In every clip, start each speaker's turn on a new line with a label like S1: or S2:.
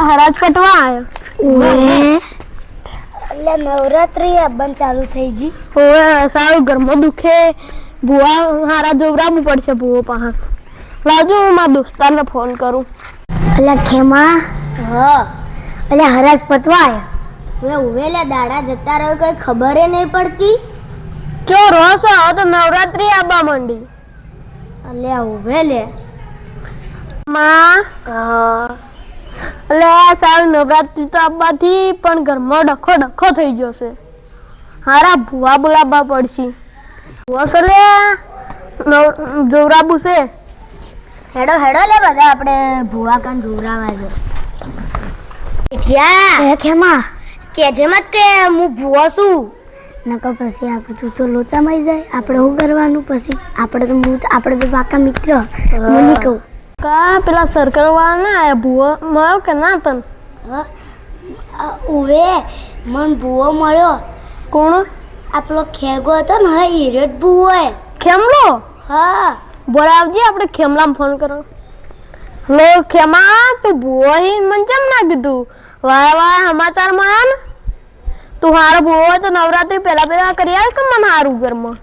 S1: હરાજ કટવા આવ્યો
S2: એટલે નવરાત્રી બંધ ચાલુ થઈ ગઈ.
S1: ઓએ સારું ઘરમાં દુખે ભુવા હારા જોવરાવું પડશે ભુવો પાહા લાવજો હું મારા દોસ્તારને ફોન કરું.
S2: એટલે ખેમા એટલે હરાજ પતવા આવ્યા ઉવેલે દાડા જતા રહ્યો કઈ ખબર નહીં પડતી.
S1: ચો રોસો હવે તો નવરાત્રી આવવા માંડી.
S2: એટલે ઉવેલે
S1: માં એટલે સારું નવરાત્રી તો આવવાથી પણ ઘરમાં ડખો થઈ ગયો છે. હારા ભુવા બોલાવવા પડશે. ભુવા છે લે જોવરાબુ છે.
S2: હેડો હેડો લે બધા આપણે ભુવા કાન જોવરાવા છે. ક્યાં ખેમા કેજે મત કે હું ભુવો છું નકર પછી આપણે તું તો લોચામાં જાય. આપણે શું કરવાનું પછી? આપણે તો પાકા મિત્ર. મને કહું
S1: કા પેલા સર્કલ વાળા ના આયા ભુવો મળ્યો કે ના તન?
S2: ઉવે મન ભુવો મળ્યો.
S1: કોણ?
S2: આપણો ખેગો હતો ને ઈરેટ ભુવો
S1: ખેમલો.
S2: હા
S1: બોલાવજે આપણે ખેમલામાં ફોન કરો. લો ખેમા તું ભુવો હી મને કેમ ના કીધું? વાય સમાચારમાં આયા ને તું હારો ભુવો હોય તો નવરાત્રી પેલા કરી આવ કે મને હારું ઘરમાં.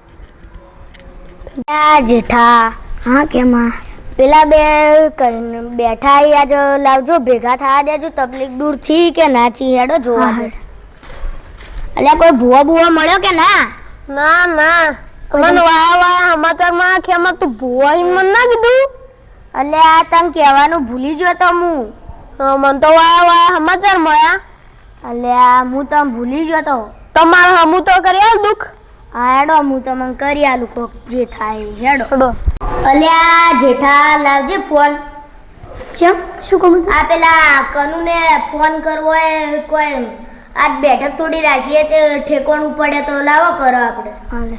S2: જેઠા હા કેમાં પેલા બે બેઠા આજ લાવજો ભેગા થવા દેજો. તકલીફ દૂર થી કે ના થી હેડો જોવા. એટલે કોઈ ભુવો મળ્યો કે ના?
S1: ના ના મને વાયા સમાચારમાં ખેમા તું ભુવો હી મને ના કીધું.
S2: એટલે આ તને કહેવાનું ભૂલી ગયો તો હું.
S1: મને તો વાયા સમાચાર મળ્યા.
S2: એટલે આ હું તને ભૂલી ગયો તો.
S1: તમારે હમું તો કરી આવ દુઃખ.
S2: હા હેડો હું તમને કરી આલું કોક જે થાય હેડો.
S1: હેડો.
S2: અલ્યા જેઠા લાવજે ફોન. ચમ શું કહું? આ પેલા કનુને ફોન કરવો એ કોઈ આજ બેઠક થોડી રાખીએ તે ઠેકોણું પડે તો લાવો કરો આપણે. હાલે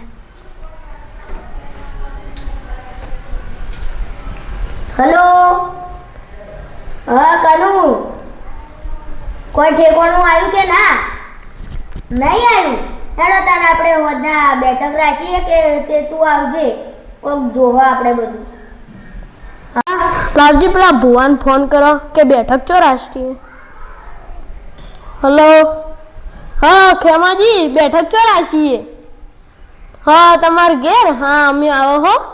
S2: હેલો હા કનુ કોઈ ઠેકોણું આવ્યું કે ના? નહીં આવ્યું. હેડો તાને આપણે હોદના બેઠક રાખીએ કે તે તું આવજે કોક જોવા આપણે બધું.
S1: લાવજી પેલા ભુવાન ફોન કરો કે બેઠક ચો રાષ્ટ્રીય. હલો હા ખેમાજી બેઠક ચો રાખીએ. હા તમારે ઘેર? હા અમે આવો હો.